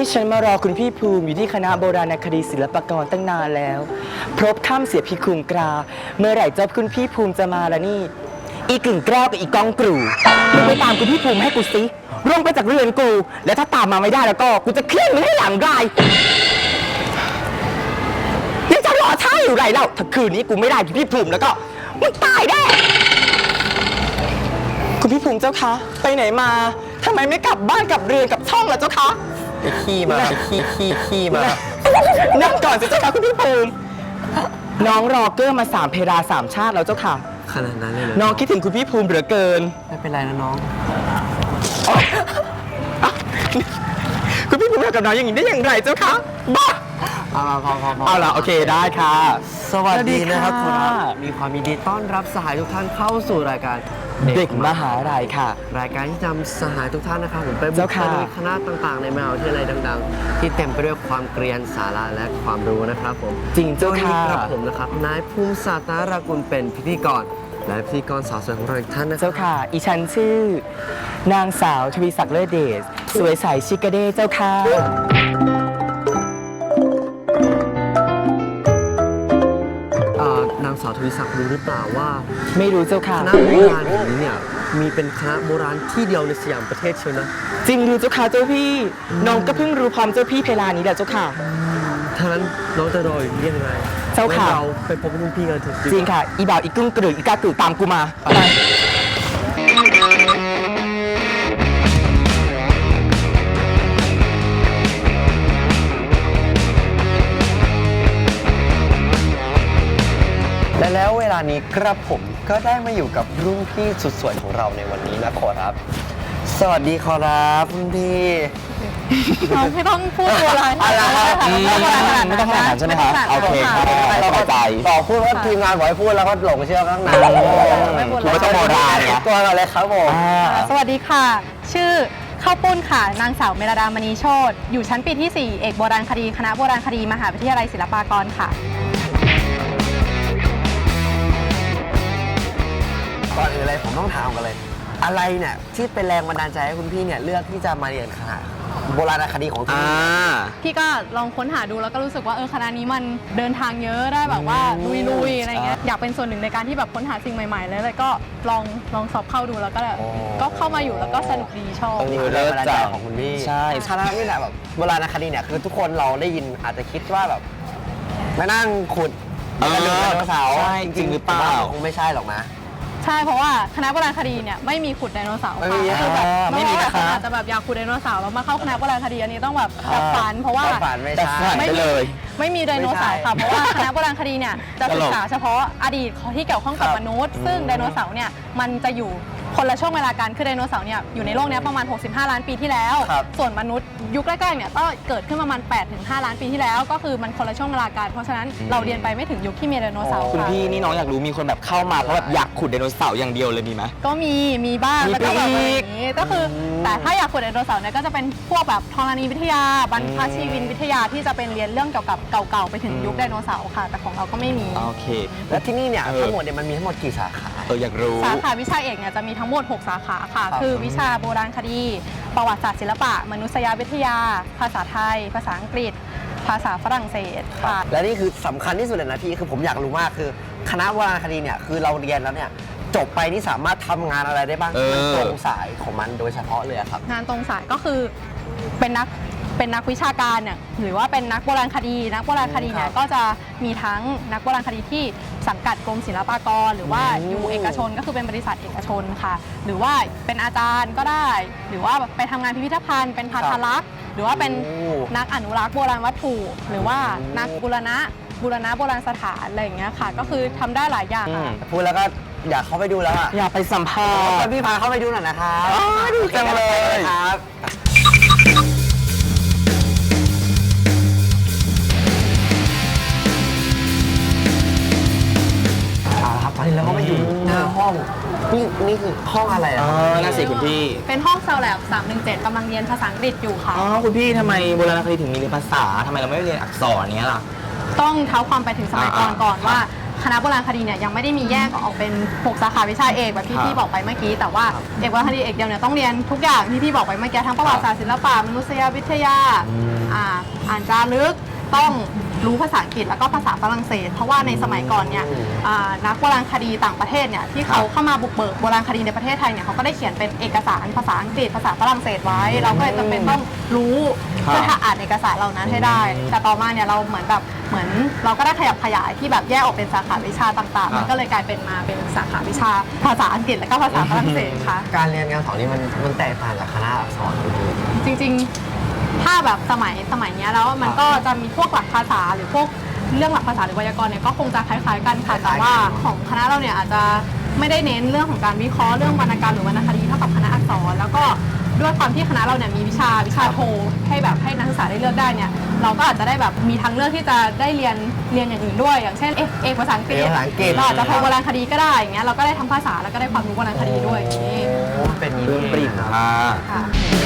ฉันมารอคุณพี่ภูมิอยู่ที่คณะโบราณคดีศิลปากรตั้งนานแล้วพรบค่ำเสียพิคุมกราเมื่อไหร่เจ้าคุณพี่ภูมิจะมาละนี่อีกึ่งแก้วกับอีกองกรูมึงไปตามคุณพี่ภูมิให้กูสิร่วงไปจากเรือนกูแล้วถ้าตามมาไม่ได้แล้วก็กูจะเคลื่อนมึงให้หลังได้ยังจะรอช้าอยู่ไรเล่าถ้าคืนนี้กูไม่ได้คุณพี่ภูมิแล้วก็มึงตายแน่คุณพี่ภูมิเจ้าคะไปไหนมาทำไมไม่กลับบ้านกลับเรือนกับช่องล่ะเจ้าคะไปขี้มาขี้มานั่งก่อนสิเจ้าค่ะคุณพี่ภูมิน้องรอเกอร์มา3 เพลา3 ชาติแล้วเจ้าค่ะขนาดนั้นเลยน้องคิดถึงคุณพี่ภูมิเหลือเกินไม่เป็นไรนะน้องคุณพี่ภูมิทำกับน้องอย่างนี้ได้อย่างไรเจ้าคะบ้าเอาละโอเคได้ค่ะสวัสดีนะครับครับมีความยินดีต้อนรับสหายทุกท่านเข้าสู่รายการเด็กมหาลัยค่ะรายการที่นำสหายทุกท่านนะครับผมไปบุกตะลุยคณะต่างๆในมหาวิทยาลัยดังๆที่เต็มไปด้วยความเกรียนสาระและความรู้นะครับผมจริงเจ้าค่ะครับผมนะครับนายภูมิศาสตร์นารากุลเป็นพิธีกรและพิธีกรสาวสวยของเราอีกท่านนะเจ้าค่ะอีฉันชื่อนางสาวทวีศักดิ์เลิศเดชสวยใสชิคาเด้เจ้าค่ะนางสาวทวีศักดิ์รู้หรือเปล่าว่าไม่รู้เจ้าค่ะคณะโบราณแห่งนี้เนี่ยมีเป็นคณะโบราณที่เดียวในสยามประเทศเชียวนะจริงหรือเจ้าค่ะเจ้าพี่น้องก็เพิ่งรู้พร้อมเจ้าพี่เพลานี้แหละเจ้าค่ะถ้านั้นน้องจะรออยู่ยังไงเจ้าค่ะเราไปพบรุ่นพี่กันเถอะจริงค่ะอีบ่าวอีกุ้งกระดึกอีกากึ่ตามกูมาไปและแล้วเวลานี้กระผมก็ได้มาอยู่กับรุ่นพี่สุดสวยของเราในวันนี้นะขอรับสวัสดีขอรับรุ่นพี่เราไม่ต้องพูดโบราณอะไรไม่ต้องขนาดนั้นใช่ไหมครับโอเคครับเราเข้าใจต่อพูดว่าทีมงานบอกให้พูดแล้วก็หลงเชื่อข้างในคุณไม่ต้องโบราณเนี่ยตัวเราเลยครับผมสวัสดีค่ะชื่อข้าวปุ้นค่ะนางสาวเมรดามณีโชติอยู่ชั้นปีที่4เอกโบราณคดีคณะโบราณคดีมหาวิทยาลัยศิลปากรค่ะก่อนอื่นเลยผมต้องถามกันเลยอะไรเนี่ยที่เป็นแรงบันดาลใจให้คุณพี่เนี่ยเลือกที่จะมาเรียนคณะโบราณคดีของที่นี่พี่ก็ลองค้นหาดูแล้วก็รู้สึกว่าคณะนี้มันเดินทางเยอะได้แบบว่าลุยๆอะไรเงี้ยอยากเป็นส่วนหนึ่งในการที่แบบค้นหาสิ่งใหม่ๆเลยก็ลองสอบเข้าดูแล้วก็เข้ามาอยู่แล้วก็สนุกดีชอบนี่คือแรงบันดาลใจของคุณพี่ใช่คณะนี่แหละแบบโบราณคดีเนี่ยคือทุกคนเราได้ยินอาจจะคิดว่าแบบมานั่งขุดกระดูกไดโนเสาร์จริงหรือเปล่าคงไม่ใช่หรอกนะใช่เพราะว่าคณะโบราณคดีเนี่ยไม่มีขุดไดโนเสาร์ค่ะคือแบบไม่มีนะคะอาจจะแบบอยากขุดไดโนเสาร์แล้วมาเข้าคณะโบราณคดีอันนี้ต้องแบบฝันเพราะว่าไม่มีไดโนเสาร์ค่ะเพราะว่าคณะโบราณคดีเนี่ยจะศึกษาเฉพาะอดีตที่เกี่ยวข้องกับมนุษย์ซึ่งไดโนเสาร์เนี่ยมันจะอยู่คนละช่วงเวลากันคือไดโนเสาร์เนี่ยอยู่ในโลกนี้ประมาณ65 ล้านปีที่แล้วส่วนมนุษย์ยุคแรกๆเนี่ยก็เกิดขึ้นประมาณ8 ถึง 5 ล้านปีที่แล้วก็คือมันคนละช่วงเวลากันเพราะฉะนั้นเราเรียนไปไม่ถึงยุคที่มีไดโนเสาร์คุณพี่นี่น้องอยากรู้มีคนแบบเข้ามาเพราะแบบอยากขุดไดโนเสาร์อย่างเดียวเลยมีไหมก็มีบ้างแล้วก็แบบนี้ก็คือแต่ถ้าอยากขุดไดโนเสาร์เนี่ยก็จะเป็นพวกแบบธรณีวิทยาบรรพชีวินวิทยาที่จะเป็นเรียนเรื่องเกี่ยวกับเก่าๆไปถึงยุคไดโนเสาร์ค่ะแต่ของเราก็ไม่มีโอเคแล้วที่นี่เนี่ยทั้งหมดเนี่ยมันมีทั้งหมดกี่สาขาอยากรู้สาขาวิชาเอกเนี่ยจะมีทั้งหมด6 สาขาค่ะคือวิชาโบราณคดีประวัติศาสตร์ศิลปะมนุษยวิทยาภาษาไทยภาษาอังกฤษภาษาฝรั่งเศสค่ะและนี่คือสำคัญที่สุดเลยนะพี่คือผมอยากรู้มากคือคณะโบราณคดีเนี่ยคือเราเรียนแล้วเนี่ยจบไปนี่สามารถทำงานอะไรได้บ้างมันตรงสายของมันโดยเฉพาะเลยครับงานตรงสายก็คือเป็นนักวิชาการเนี่ยหรือว่าเป็นนักโบราณคดีนักโบราณคดีเนี่ยก็จะมีทั้งนักโบราณคดีที่สังกัดกรมศิลปากรหรือว่าอยู่เอกชนก็คือเป็นบริษัทเอกชนค่ะหรือว่าเป็นอาจารย์ก็ได้หรือว่าไปทำงานพิพิธภัณฑ์เป็นพัทลักษ์หรือว่าเป็นนักอนุรักษ์โบราณวัตถุหรือว่านักบูรณะโบราณสถานอะไรอย่างเงี้ยค่ะก็คือทำได้หลายอย่างค่ะพูดแล้วก็อยากเข้าไปดูแล้วอะอยากไปสัมภาษณ์พี่พาเข้าไปดูหน่อยนะครับดูจังเลยครับตอนนี้เราก็มาอยู่หน้าห้องนี่คือห้องอะไรอ่ะน่าสิคุณพี่เป็นห้องเซลแลบ317กำลังเรียนภาษาอังกฤษอยู่ค่ะคุณพี่ทำไมโบราณคดีถึงมีเรียนภาษาทำไมเราไม่เรียนอักษรเนี้ยล่ะต้องเท้าความไปถึงสมัยก่อนว่าคณะโบราณคดีเนี่ยยังไม่ได้มีแยกออกเป็น6สาขาวิชาเอกแบบที่พี่บอกไปเมื่อกี้แต่ว่าเอกโบราณคดีเอกเดียวเนี่ยต้องเรียนทุกอย่างที่พี่บอกไปเมื่อกี้ทั้งประวัติศาสตร์ศิลปะมนุษยวิทยาอ่านจารึกต้องรู้ภาษาอังกฤษแล้วก็ภาษาฝรั่งเศสเพราะว่าในสมัยก่อนเนี่ยนักโบราณคดีต่างประเทศเนี่ยที่เขาเข้ามาบุกเบิกโบราณคดีในประเทศไทยเนี่ยเขาก็ได้เขียนเป็นเอกสารภาษาอังกฤษภาษาฝรั่งเศสไว้เราก็เลยจำเป็นต้องรู้เพื่อถ้าอ่านเอกสารเหล่านั้นให้ได้แต่ต่อมาเนี่ยเราเหมือนเราก็ได้ขยับขยายที่แบบแยกออกเป็นสาขาวิชาต่างๆมันก็เลยกลายเป็นมาเป็นสาขาวิชาภาษาอังกฤษและก็ภาษาฝรั่งเศสค่ะการเรียนการสอนนี่มันแตกต่างจากคณะอักษรจริงๆถ้าแบบสมัยเนี้ยแล้วมันก็จะมีพวกหลักภาษาหรือพวกเรื่องหลักภาษาหรือไวยากรณ์เนี่ยก็คงจะคล้ายๆกันค่ะแต่ว่าของคณะเราเนี่ยอาจจะไม่ได้เน้นเรื่องของการวิเคราะห์เรื่องวรรณกรรมหรือวรรณคดีเท่ากับคณะอักษรแล้วก็ด้วยความที่คณะเราเนี่ยมีวิชาโทให้แบบให้นักศึกษาได้เลือกได้เนี่ยเราก็อาจจะได้แบบมีทางเลือกที่จะได้เรียนอย่างอื่นด้วยอย่างเช่นเอกภาษาอังกฤษเราอาจจะโทโบราณคดีก็ได้อย่างเงี้ยเราก็ได้ทั้งภาษาแล้วก็ได้ความรู้โบราณคดีด้วยอย่างนี้เป็นเรื่องปริ่มค่ะ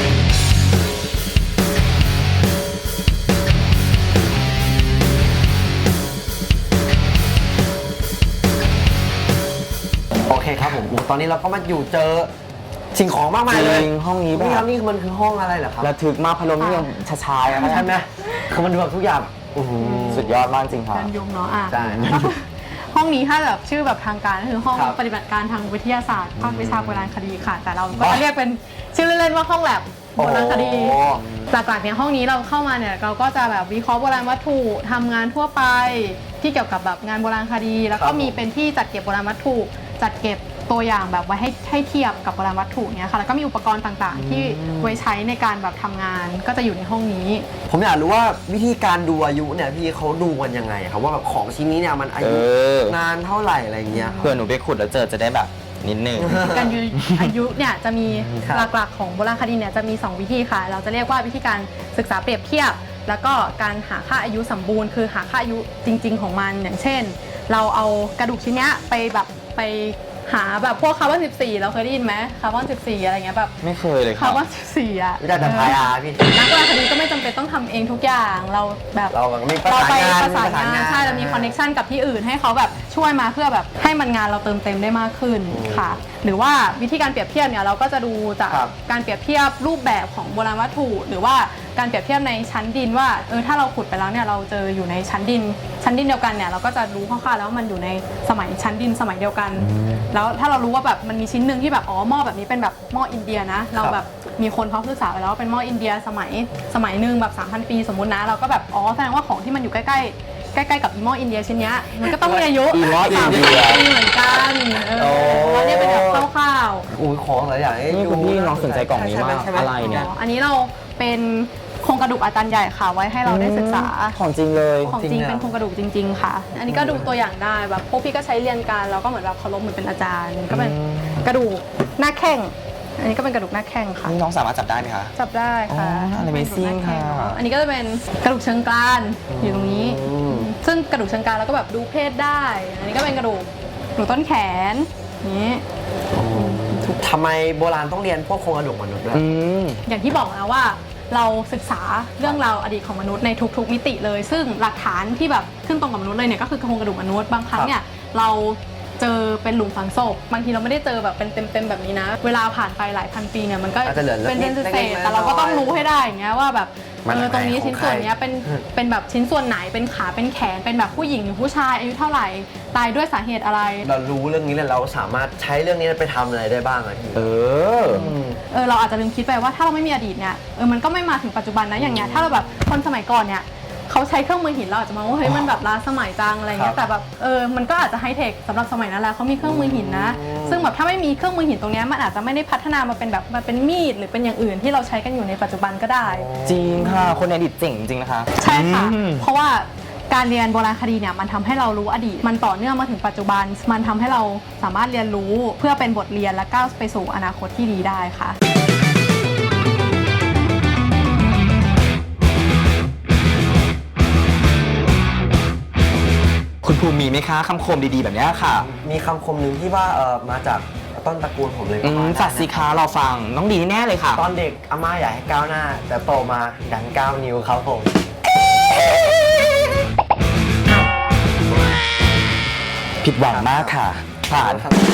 โอเคครับผมตอนนี้เราก็มาอยู่เจอสิ่งของมากมายเลยห้องนี้แบบนี่มันคือห้องอะไรเหรอครับระทึกมากพัดลมนี่ยังชายๆใช่ไหมคือมันดูแบบทุกอย่างสุดยอดมากจริงครับการยงเนาะใช่ห้องนี้ถ้าแบบชื่อแบบทางการก็คือห้องปฏิบัติการทางวิทยาศาสตร์ภาควิชาโบราณคดีค่ะแต่เราก็จะเรียกเป็นชื่อเล่นๆว่าห้องแลบโบราณคดีหลักๆเนี่ยห้องนี้เราเข้ามาเนี่ยเราก็จะแบบวิเคราะห์โบราณวัตถุทำงานทั่วไปที่เกี่ยวกับแบบงานโบราณคดีแล้วก็มีเป็นที่จัดเก็บโบราณวัตถุจัดเก็บตัวอย่างแบบไว้ให้เทียบกับโบราณวัตถุเนี่ยค่ะแล้วก็มีอุปกรณ์ต่างๆที่ไว้ใช้ในการแบบทำงานก็จะอยู่ในห้องนี้ผมอยากรู้ว่าวิธีการดูอายุเนี่ยพี่เขาดูกันยังไงครับว่าแบบของชิ้นนี้เนี่ยมันอายุนานเท่าไหร่อะไรเงี้ยเพื่อหนูไปขุดแล้วจะได้แบบนิดนึงการอายุเนี่ยจะมีหลักๆของโบราณคดีเนี่ยจะมี2วิธีค่ะเราจะเรียกว่าวิธีการศึกษาเปรียบเทียบแล้วก็การหาค่าอายุสมบูรณ์คือหาค่าอายุจริงๆของมันอย่างเช่นเราเอากระดูกชิ้นนี้ไปหาแบบพวกคาร์บอน14เราเคยได้ยินไหมคาร์บอน14อะไรเงี้ยแบบไม่เคยเลยคาร์บอน14อ่ะวิธีการทายพี่นักโบราณคดีก็ไม่จำเป็นต้องทำเองทุกอย่างเราแบบเราไปประสานงานใช่เรามีคอนเนคชันกับที่อื่นให้เขาแบบช่วยมาเพื่อแบบให้มันงานเราเติมเต็มได้มากขึ้นค่ะหรือว่าวิธีการเปรียบเทียบเนี่ยเราก็จะดูจากการเปรียบเทียบรูปแบบของโบราณวัตถุหรือว่าการเปรียบเทียบในชั้นดินว่าถ้าเราขุดไปแล้วเนี่ยเราเจออยู่ในชั้นดินเดียวกันเนี่ยเราก็จะรู้คร่าวๆแล้วว่ามันอยู่ในสมัยชั้นดินสมัยเดียวกันแล้วถ้าเรารู้ว่าแบบมันมีชิ้นหนึ่งที่แบบหม้อแบบนี้เป็นแบบหม้ออินเดียนะเราแบบมีคนเขาศึกษาไปแล้วว่าเป็นหม้ออินเดียสมัยหนึ่งแบบ 3,000 ปีสมมุตินะเราก็แบบแสดงว่าของที่มันอยู่ใกล้กับอีหม้ออินเดียชิ้นนี้มันก็ต้องมีอายุ3,000 ปีเหมือนกันแล้วเนี่ยเป็นแบบคร่าวๆของหลายอย่างคุณพี่น้องสนใจกล่องนี้มากอะไรเนี่ยอันนี้เราเป็นโครงกระดูกอาจารย์ใหญ่ค่ะไว้ให้เราได้ศึกษาของจริงเลยของจริงเป็นโครงกระดูกจริงๆค่ะอันนี้ก็ดูตัวอย่างได้แบบพวกพี่ก็ใช้เรียนกันเราก็เหมือนแบบเคารพเหมือนเป็นอาจารย์ก็เป็นกระดูกหน้าแข้งอันนี้ก็เป็นกระดูกหน้าแข้งค่ะน้องสามารถจับได้ไหมคะจับได้ค่ะ Amazing ค่ะอันนี้ก็จะเป็นกระดูกเชิงกรานอยู่ตรงนี้ซึ่งกระดูกเชิงกรานเราก็แบบดูเพศได้อันนี้ก็เป็นกระดูกต้นแขนนี้ทำไมโบราณต้องเรียนพวกโครงกระดูกมนุษย์ด้วยอย่างที่บอกนะว่าเราศึกษาเรื่องราวอดีตของมนุษย์ในทุกๆมิติเลยซึ่งหลักฐานที่แบบขึ้นตรงกับมนุษย์เลยเนี่ยก็คือโครงกระดูกมนุษย์บางครั้งเนี่ยเราเจอเป็นหลุมฝังศพบางทีเราไม่ได้เจอแบบเป็นเต็มแบบนี้นะเวลาผ่านไปหลายพันปีเนี่ยมันก็เป็นเศษแต่เราก็ต้องรู้ให้ได้อย่างเงี้ยว่าแบบตรงนี้ชิ้นส่วนนี้เป็นแบบชิ้นส่วนไหนเป็นขาเป็นแขนเป็นแบบผู้หญิงหรือผู้ชายอายุเท่าไหร่ตายด้วยสาเหตุอะไรเรารู้เรื่องนี้แล้วเราสามารถใช้เรื่องนี้ไปทำอะไรได้บ้างอะพี่เราอาจจะลืมคิดไปว่าถ้าเราไม่มีอดีตเนี่ยมันก็ไม่มาถึงปัจจุบันนะอย่างเงี้ยถ้าเราแบบคนสมัยก่อนเนี่ยเขาใช้เครื่องมือหินเราอาจจะมองว่าเฮ้ยมันแบบล้าสมัยจังอะไรเงี้ยแต่แบบมันก็อาจจะไฮเทคสำหรับสมัยนั้นแล้วเขามีเครื่องมือหินนะซึ่งแบบถ้าไม่มีเครื่องมือหินตรงนี้มันอาจจะไม่ได้พัฒนามาเป็นแบบมาเป็นมีดหรือเป็นอย่างอื่นที่เราใช้กันอยู่ในปัจจุบันก็ได้จริงค่ะคนในอดีตเจ๋งจริงนะคะใช่ค่ะเพราะว่าการเรียนโบราณคดีเนี่ยมันทำให้เรารู้อดีตมันต่อเนื่องมาถึงปัจจุบันมันทำให้เราสามารถเรียนรู้เพื่อเป็นบทเรียนและก้าวไปสู่อนาคตที่ดีได้ค่ะคุณภูมิมีไหมคะคำคมดีๆแบบนี้ค่ะมีคำคมหนึ่งที่ว่ามาจากต้นตระกูลผมเลยจัดสิคะเราฟังน้องดีแน่เลยค่ะตอนเด็กอาม่าอยากให้ก้าวหน้าแต่โตมาดัน9 นิ้วครับผมผิดหวังมากค่ะ ผ่าน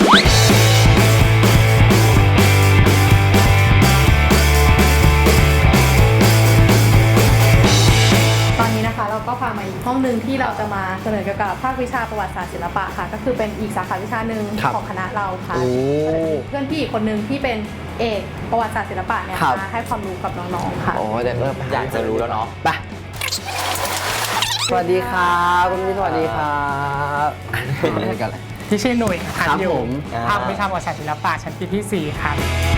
ตอนนี้นะคะเราก็พามาอีกห้องหนึ่งที่เราจะมาเสนอเกี่ยวกับภาควิชาประวัติศาสตร์ศิลปะค่ะ ก็คือเป็นอีกสาขาวิชาหนึ่งของคณะเราค่ะเพื่อนพี่อีกคนนึงที่เป็นเอกประวัติศาสตร์ศิลปะเนี่ยมาให้ความรู้กับน้องๆค่ะโอ้เดี๋ยวเริ่มอยากจะรู้แล้วเนาะไปสวัสดีครับคุณพี่สวัสดีครับกันเลยที่ชื่อหนุ่ยค่ะครับอยู่ผมภาควิชาประวัติศาสตร์ศิลปะชั้นปีที่ 4 ครับ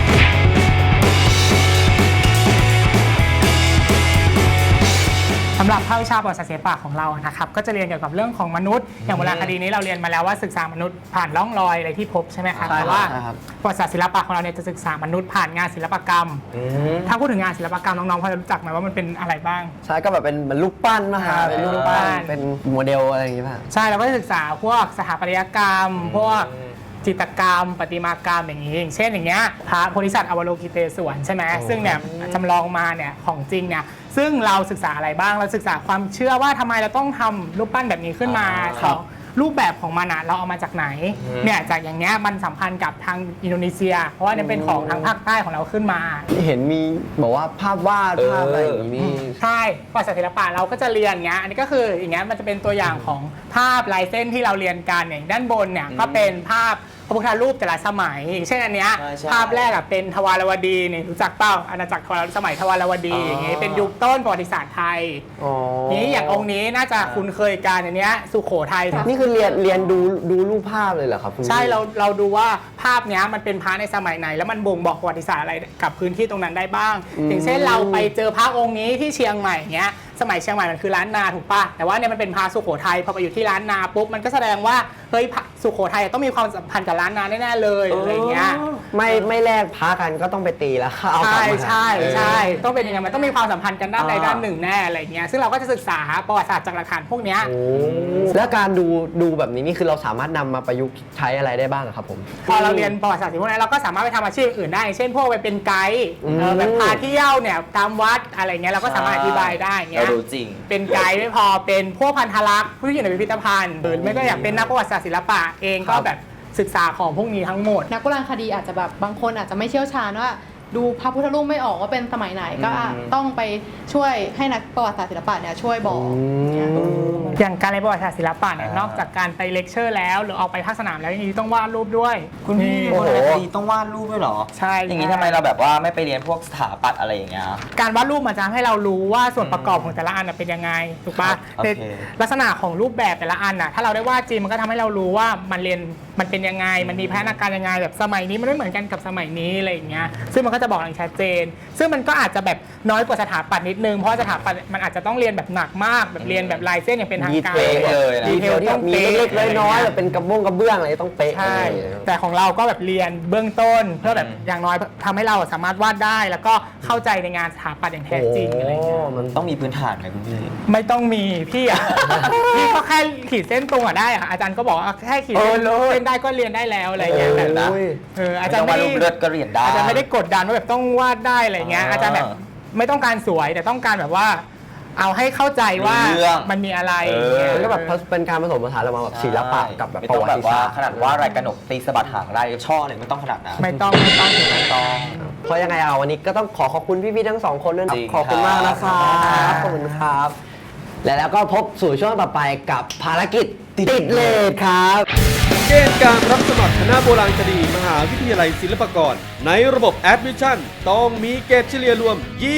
สำหรับภาควิชาประวัติศาสตร์ศิลปะของเรานะครับก็จะเรียนเกี่ยวกับเรื่องของมนุษย์อย่างโบราณคดีนี้เราเรียนมาแล้วว่าศึกษามนุษย์ผ่านร่องรอยอะไรที่พบใช่ไหมครับใช่ครับแต่ว่าใช่ครับประวัติศาสตร์ศิลปะของเราเนี่ยจะศึกษามนุษย์ผ่านงานศิลปกรรม ถ้าพูดถึงงานศิลปกรรมน้องๆพอจะรู้จักไหมว่ามันเป็นอะไรบ้างใช่ก็แบบเป็นเหมือนรูปปั้นมาครับเป็นรูปปั้นเป็นโมเดลอะไรอย่างงี้ป่ะใช่เราก็จะศึกษาพวกสถาปัตยกรรม พวกจิตรกรรมประติมากรรมอย่างนี้อย่างเช่นอย่างเงี้ยพระโพธิสัตว์อวโลกิเตศวรใช่ไหมซึ่งเนี่ยจำลองมาเนี่ยของจริงเนี่ยซึ่งเราศึกษาอะไรบ้างเราศึกษาความเชื่อว่าทำไมเราต้องทำรูปปั้นแบบนี้ขึ้นมาสองรูปแบบของมันอะเราเอามาจากไหนเนี่ยจากอย่างเงี้ยมันสัมพันธ์กับทางอินโดนีเซีย เพราะว่าเนี่ยเป็นของทางภาคใต้ของเราขึ้นมาเห็นมีบอกว่าภาพวาดภาพอะไรอย่างงี้นี่ใช่ประวัติศาสตร์ศิลปะเราก็จะเรียนอย่างเงี้ยอันนี้ก็คืออย่างเงี้ยมันจะเป็นตัวอย่างของภาพลายเส้นที่เราเรียนกันอย่างด้านบนเนี่ยก็เป็นภาพพระพุทธรูปแต่ละสมัยอย่างเช่นอันเนี้ยใช่ใช่ภาพแรกอะเป็นทวารวดีเนี่ยรู้จักเปล่าอาณาจักรสมัยทวารวดีอย่างเงี้ยเป็นยุคต้นประวัติศาสตร์ไทยอ๋อนี้อย่างองค์นี้น่าจะคุ้นเคยกันอันเนี้ยสุโขทัยนี่คือเรียนดูรูปภาพเลยเหรอครับคุณพี่ใช่เราดูว่าภาพเนี้ยมันเป็นพระในสมัยไหน แล้วมันบ่งบอกประวัติศาสตร์อะไรกับพื้นที่ตรงนั้นได้บ้าง อย่างเช่นเราไปเจอพระองค์นี้ที่เชียงใหม่เนี้ยสมัยเชียงใหม่มันคือล้านนาถูกปะแต่ว่าเนี่ยมันเป็นพระสุโขทัยพอไปอยู่ที่ล้านนาปุ๊บมันก็แสดงว่าเฮ้ยพระสุโขทัยต้องมีความสัมพันธ์กับล้านนาแน่ๆเลยอะไรเงี้ยไม่แลกพากันก็ต้องไปตีแล้วเอากลับใช่มาใช่ใช่ต้องเป็นอย่างนั้นมันต้องมีความสัมพันธ์กันด้านใดด้านหนึ่งแน่อะไรเงี้ยซึ่งเราก็จะศึกษาประวัติศาสตร์จากหลักฐานพวกเนี้ยโอ้แล้วการดูแบบนี้นี่คือเราสามารถนำมาประยุกต์ใช้อะไรได้บ้างอะครับผมพอเราเรียนประวัติศาสตร์พวกนั้นเราก็สามารถไปทำอาชีพอื่นได้ เช่นพวกไปเป็นไกด์แบบพาเที่ยวเนี่ยตามวัดอะไรเงี้ยเราก็สามารถอธิบายได้เงี้เรายรู้จริงเป็นไกด์ไม่พอเป็นพวกพันธลักษณ์ผู้ที่อยู่ในพิพิธภัณฑ์หรือไม่ก็อยากเป็นนักประวัติศาสตร์ศิลปะเองก็แบบศึกษาของพวกนี้ทั้งหมดนักโบราณคดีอาจจะแบบบางคนอาจจะไม่เชี่ยวชาญว่าดูพระพุทธรูปไม่ออกว่าเป็นสมัยไหนก็ต้องไปช่วยให้นักประวัติศาสตร์ศิลปะเนี่ยช่วยบอกเนี่ยอย่างการเรียนประวัติศาสตร์ศิลปะเนี่ยนอกจากการไปเลคเชอร์แล้วหรือออกไปภาคสนามแล้วยังต้องวาดรูปด้วยคุณพี่นี่โบราณคดีต้องวาดรูปด้วยเหรอใช่อย่างนี้ทำไมเราแบบว่าไม่ไปเรียนพวกสถาปัตย์อะไรอย่างเงี้ยการวาดรูปมันจะทำให้เรารู้ว่าส่วนประกอบของแต่ละอันน่ะเป็นยังไงถูกปะครับโอเคในลักษณะของรูปแบบแต่ละอันน่ะถ้าเราได้วาดจริงมันก็ทำให้เรารู้ว่ามันเป็นยังไงมันมีพัฒนาการยังไงแบบสมัยนี้มันไม่เหมือนกันกับสมัยนี้อะไรอย่างเงี้ยซึ่งมันก็จะบอกอย่างชัดเจน ซึ่งมันก็อาจจะแบบน้อยกว่าสถาปัตย์นิดนึงเพราะสถาปัตย์มันอาจจะต้องเรียนแบบหนักมากแบบเรียนแบบลายเส้นอย่างเป็นทางการดีเทลเลยนะดีเทลที่แบบมีเล็กๆน้อยๆแบบเป็นกระเบื้องอะไรต้องเป๊ะใช่อะไรอย่างเงี้ยแต่ของเราก็แบบเรียนเบื้องต้นเพื่อแบบอย่างน้อยทำให้เราสามารถวาดได้ แล้วก็เข้าใจในงานสถาปัตย์อย่างแท้จริงอะไรอย่างเงี้ยมันต้องมีพื้นฐานไหมคุณพี่ไม่ต้องมีพี่อ่ะ พี่ก็แค่ขีดเส้นตรงอ่ะได้อะอาจารย์ก็บอกว่าแค่ขีดเส้นได้ก็เรียนได้แล้วอะไรอย่างเงี้ยแบบนะอาจารย์ไม่ไม่ต้องวาดรูปเลือดก็เรียนได้อาจารย์ไม่ได้กดดันว่าแบบต้องวาดได้อะไรเงี้ยอาจารย์แบบไม่ต้องการสวยแต่ต้องการแบบว่า เอาให้เข้าใจว่าเรื่องมันมีอะไรมันก็แบบเป็นการผสมผสานระหว่างแบบศิลปะกับแบบไม่ปต้อระงวัแบบติว่าศาสตร์ขนาดว่าอะไรกระหนกตีสะบัดหางได้ช่อเลยไม่ต้องขนาดนั้นไม่ต้องเพราะยังไงเอาวันนี้ก็ต้องขอบคุณพี่ๆทั้งสองคนด้วยนะจริงขอบคุณมากนะคครัรับบ ขอบคุณครับ แล้วก็พบสู่ช่วงต่อไปกับภารกิจติดเลทครับเกณฑ์การรับสมัครคณะโบราณคดีมหาวิทยาลัยศิลปากรในระบบ Admission ต้องมีเกรดเฉลี่ยรวม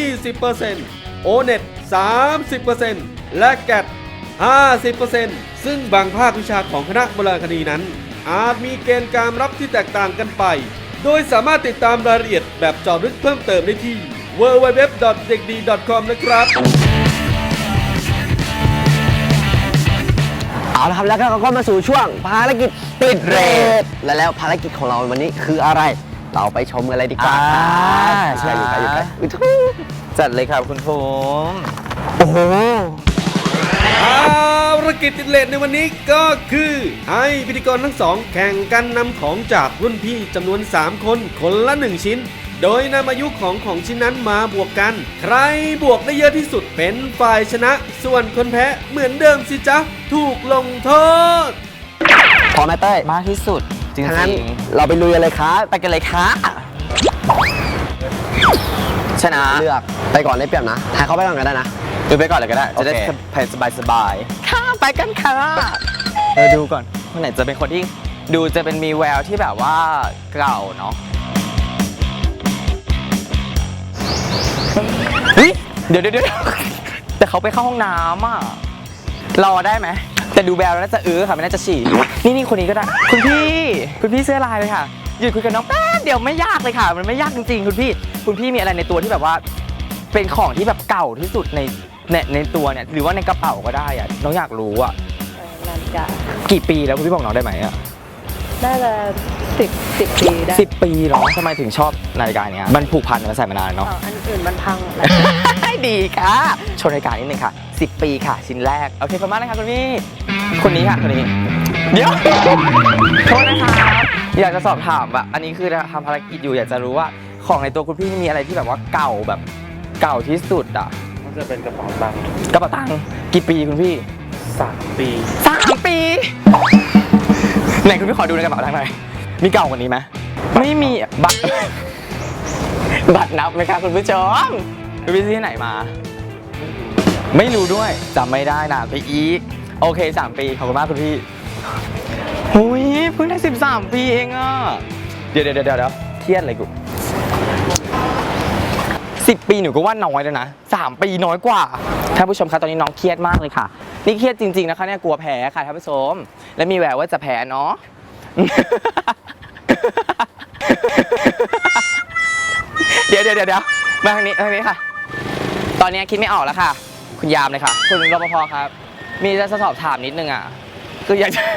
20% O-NET 30% และ GAT 50% ซึ่งบางภาควิชาของคณะโบราณคดีนั้น อาจมีเกณฑ์การรับที่แตกต่างกันไป โดยสามารถติดตามรายละเอียดแบบเจาะลึกเพิ่มเติมได้ที่ www.dekdi.com นะครับเอาละครับแล้วก็เราก็มาสู่ช่วงภารกิจติดเรทและแล้วภารกิจของเราวันนี้คืออะไร เราไปชมกันเลยดีกว่าครับใช่อยู่ไกลอยู่ไกลอุ๊ยทุยจัดเลยครับคุณผมโอ้โหภารกิจติดเลทในวันนี้ก็คือให้พิธีกรทั้งสองแข่งกันนำของจากรุ่นพี่จำนวน 3 คนคนละ 1 ชิ้น โดยนำอายุของชิ้นนั้นมาบวกกัน ใครบวกได้เยอะที่สุดเป็นฝ่ายชนะ ส่วนคนแพ้เหมือนเดิมสิจ๊ะ ถูกลงโทษพร้อมไหมเต้ยมากที่สุดจริงถ้างั้นๆเราไปลุยกันเลยครับไปกันเลยค่ะชนะเลือกไปก่อนได้เปรียบนะทายเขาไปก่อนก็ได้นะดูไปก่อนเลยก็ได้ จะได้โอเคสบายๆค่ะไปกันค่ะดูก่อนคนไหนจะเป็นคนที่ดูจะเป็นมีแววที่แบบว่าเก่าเนาะเฮ้ยเดี๋ยวแต่เขาไปเข้าห้องน้ำอ่ะรอได้ไหมแต่ดูแววแล้วน่าจะค่ะไม่น่าจะฉี่นี่คนนี้ก็ได้คุณพี่เสื้อลายเลยค่ะหยุดคุยกับน้องแป๊บเดี๋ยวไม่ยากเลยค่ะมันไม่ยากจริงๆคุณพี่มีอะไรในตัวที่แบบว่าเป็นของที่แบบเก่าที่สุดในตัวเนี่ยหรือว่าในกระเป๋าก็ได้อะน้องอยากรู้อะนาฬิกากี่ปีแล้วคุณพี่บอกน้องได้ไหมอะน่าจะ10 ปีได้ 10 ปีเหรอทำไมถึงชอบนาฬิกาเนี้ยมันผูกพันมันใส่มานานเนาะอันอื่นมันพังหมดแล้วดีค่ะโชว์นาฬิกานิดนึงค่ะ10 ปีค่ะชิ้นแรกโอเคขอบคุณมากนะคะคุณพี่คนนี้ค่ะคนนี้เดี๋ยวโทษนะคะอยากจะสอบถามว่าอันนี้คือทำภารกิจอยู่อยากจะรู้ว่าของในตัวคุณพี่มีอะไรที่แบบว่าเก่าแบบเก่าที่สุดอ่ะมันจะเป็นกระเป๋าตังค์กระเป๋าตังค์กี่ปีคุณพี่ 3 ปี 3 ปีไหนคุณพี่ขอดูในกระเป๋าตังค์หน่อยมีเก่ากว่านี้ไหมไม่มีบัตรนับไหมคะคุณผู้ชมคุณพี่ซื้อที่ไหนมา ไม่รู้ด้วยจำไม่ได้นะไปอีกโอเค3 ปีขอบคุณมากคุณพี่หุยเพิ่งได้13 ปีเองอ่ะเดี๋ยวเครียดอะไรกู10 ปีหนูก็ว่าน้อยแล้วนะ3 ปีน้อยกว่าท่านผู้ชมคะตอนนี้น้องเครียดมากเลยค่ะนี่เครียดจริงๆนะคะเนี่ยกลัวแพ้ค่ะท่านผู้ชมและมีแววว่าจะแพ้เนาะ เดี๋ยวมาทางนี้ค่ะตอนนี้คิดไม่ออกแล้วค่ะคุณยามเลยค่ะคุณรปภครับมีจะสอบถามนิดนึงอ่ะคืออยากจะ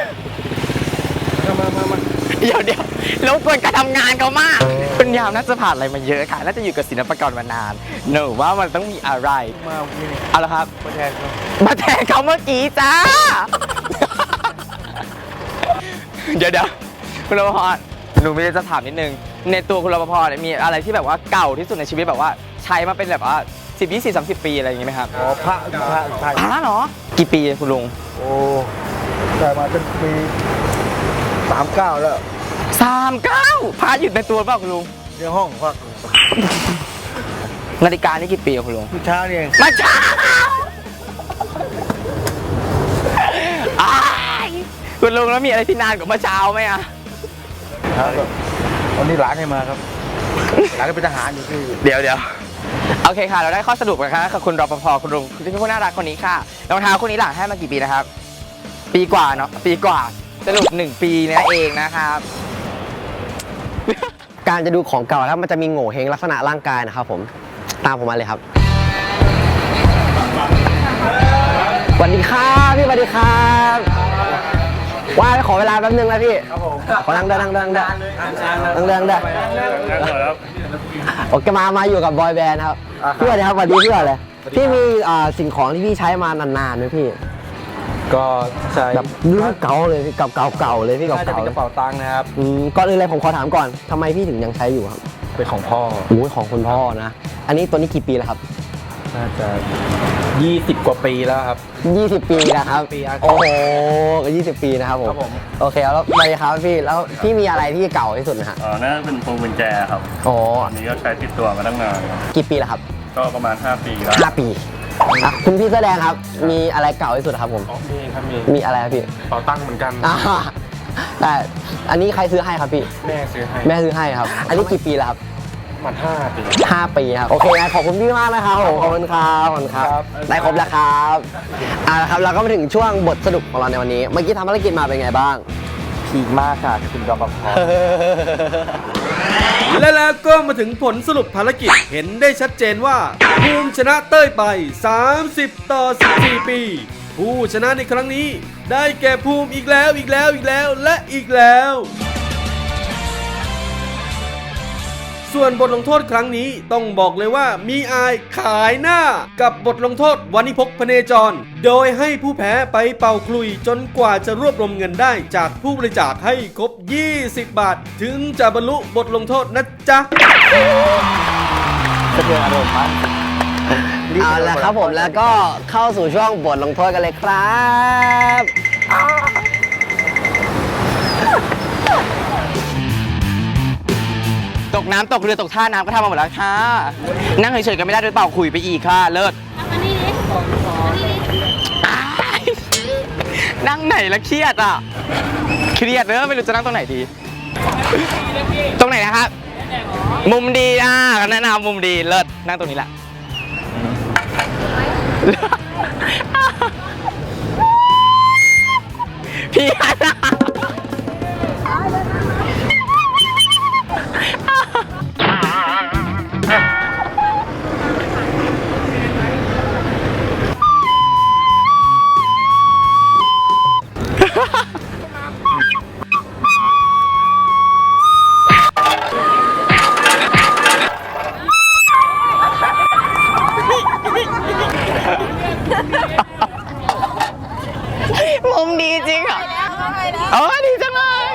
เดี๋ยวรบกวนการทำงานเขามากคุณยามน่าจะผ่านอะไรมาเยอะค่ะน่าจะอยู่กับศิลปากรมานานหนูว่ามันต้องมีอะไรเอาละครับมาแทนเขาเมื่อกี้จ้า เดี๋ยวคุณรปภหนูมีจะถามนิดนึงในตัวคุณรปภเนี่ยมีอะไรที่แบบว่าเก่าที่สุดในชีวิตแบบว่าใช้มาเป็นแบบว่า10 20 30 ปีอะไรอย่างงี้ไหมครับอ๋อพระไทยพระเหรอกี่ปีคุณลุงโอ้แต่มาเป็นปี 39 แล้ว 39พระหยุดในตัวเปล่าคุณลุงในห้องพักนาฬิกานี่กี่ปีคุณลุงผู้เช้านี่เองมาช้าอ้ายคุณลุงแล้วมีอะไรที่นานกว่าเมื่อเช้าไหมอะครับวันนี้หลานให้มาครับหลานก็เป็นทหารอยู่ที่เดี๋ยวโอเคค่ะเราได้ข้อสรุปกันค่ะกับคุณรปภคุณลุงที่เป็นผู้น่ารักคนนี้ค่ะรองเท้าคู่นี้หลังให้มากี่ปีนะครับปีกว่าเนาะปีกว่าสรุป1 ปีนั่นเองนะครับการจะดูของเก่าแล้วมันจะมีโง่เฮงลักษณะร่างกายนะครับผมตามผมมาเลยครับสวัสดีครับพี่สวัสดีครับว่าขอเวลาแป๊บนึงนะพี่ขอนั่งได้โอเคมาอยู่กับบอยแบนด์ครับพี่สวัสดีครับสวัสดีพี่ก่อนเลยพี่มีสิ่งของที่พี่ใช้มานานๆไหมพี่ก็ใช้แบบรุ่นเก่าเลยพี่เก่าเลยพี่น่าจะเก่าเป็นกระเป๋าตังค์นะครับก่อนอื่นเลยผมขอถามก่อนทำไมพี่ถึงยังใช้อยู่ครับเป็นของพ่อโอ้ยของคุณพ่อนะอันนี้ตัวนี้กี่ปีแล้วครับน่าจะ20 กว่าปีแล้วครับ 20 ปีนะครับปีครับโอ้โห20 ปีนะครับผมครับผมโอเคแล้วไปครับพี่แล้วพี่มีอะไรที่เก่าที่สุดนะฮะน่าจะเป็นพวงกุญแจครับอ๋ออันนี้ก็ใช้ติดตัวมาตั้งนานครับกี่ปีแล้วครับก็ประมาณ 5 ปีแล้ว 5 ปีอ่ะคุณพี่แสอแดงครับ มีอะไรเก่าที่สุดครับผมมีครับมีมีอะไรครับพี่กระเป๋าตังค์เหมือนกันอ่าแต่อันนี้ใครซื้อให้ครับพี่แม่ซื้อให้แม่ซื้อให้ครับ อันนี้กี่ปีแล้วครับมัน5 ปี 5 ปีครับโอเคงั้นขอบคุณพี่มากนะครับผมขอบคุณครับขอบคุณครับครับได้ครบแล้วครับละครับเราก็มาถึงช่วงบทสรุปของเราในวันนี้ เมื่อกี้ทำภารกิจมาเป็นไงบ้างพีคมากค่ะคุณรปภและแล้วก็มาถึงผลสรุปภารกิจเห็นได้ชัดเจนว่าภูมิชนะเต้ยไป 30 ต่อ 14 ปี ผู้ชนะในครั้งนี้ได้แก่ภูมิอีกแล้วและอีกแล้ว ส่วนบทลงโทษครั้งนี้ต้องบอกเลยว่ามีอายขายหน้ากับบทลงโทษวันิพกพเนจร โดยให้ผู้แพ้ไปเป่าคลุยจนกว่าจะรวบรวมเงินได้จากผู้บริจาคให้ครบ 20 บาท ถึงจะบรรลุบทลงโทษนะจ๊ะสะเทือนอารมณ์มากเอาละครับผมแล้วก็เข้าสู่ช่วงบทลงโทษกันเลยครับตกน้ำตกเรือตกท่าน้ำก็ทำมาหมดแล้วค่ะ นั่งเฉยๆก็ไม่ได้ด้วยเปล่าคุยไปอีกค่ะ เลิศอ้ายนั่งไหนละเครียดอ่ะ เครียดเนอะไม่รู้จะนั่งตรงไหนดี ตรงไหนนะครับ มุมดีแนะนำมุมดีเลิศนั่งตรงนี้แหละ พี่ฮันมุมดีจริงเหรอดีจังเลย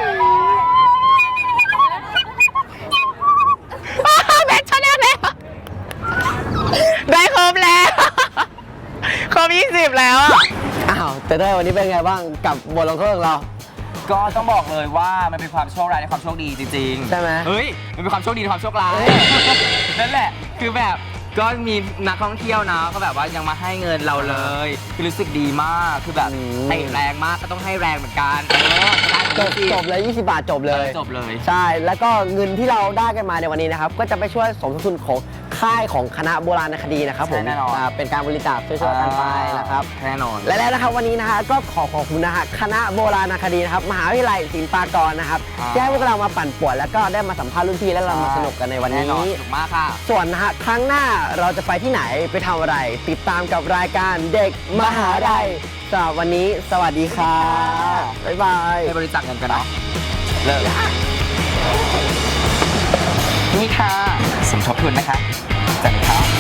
แบทชนะแล้วได้ครบแล้ว ครบ20แล้วอะอ้าวแต่ได้วันนี้เป็นไงบ้างกับบทลงโทษของเราก็ต้องบอกเลยว่ามันเป็นความโชคร้ายในความโชคดีจริงๆใช่ไหมเฮ้ย มันเป็นความโชคดีในความโชคร้าย นั่นแหละ คือแบบก็มีนักท่องเที่ยวนะก็แบบว่ายังมาให้เงินเราเลย คือรู้สึกดีมาก คือแบบเตะแรงมากก็ต้องให้แรงเหมือนกันจบเลย20 บาทจบเลยจบเลยใช่ แล้วก็เงินที่เราได้กันมาในวันนี้นะครับ ก็จะไปช่วยสมทบทุนของค่ายของคณะโบราณคดีนะครับผมใช่แน่นอนเป็นการบริจาคช่วยๆกันไปนะครับแน่นอนและแล้วนะครับวันนี้นะฮะก็ขอบคุณนะฮะคณะโบราณคดีนะครับมหาวิทยาลัยศิลปากรนะครับที่ให้พวกเรามาปั่นป่วนแล้วก็ได้มาสัมภาษณ์รุ่นพี่และเรามาสนุกกันในวันแน่นอนนี้สนุกมากค่ะส่วนนะฮะครั้งหน้าเราจะไปที่ไหนไปทำอะไร ติดตามกับรายการเด็กมหาลัยสำหรับวันนี้สวัสดีค่ะบ๊ายบายไปบริจาคเงินกันเนาะ เลิกนี่ค่ะ สมทบทุนนะคะจัดเลยครับ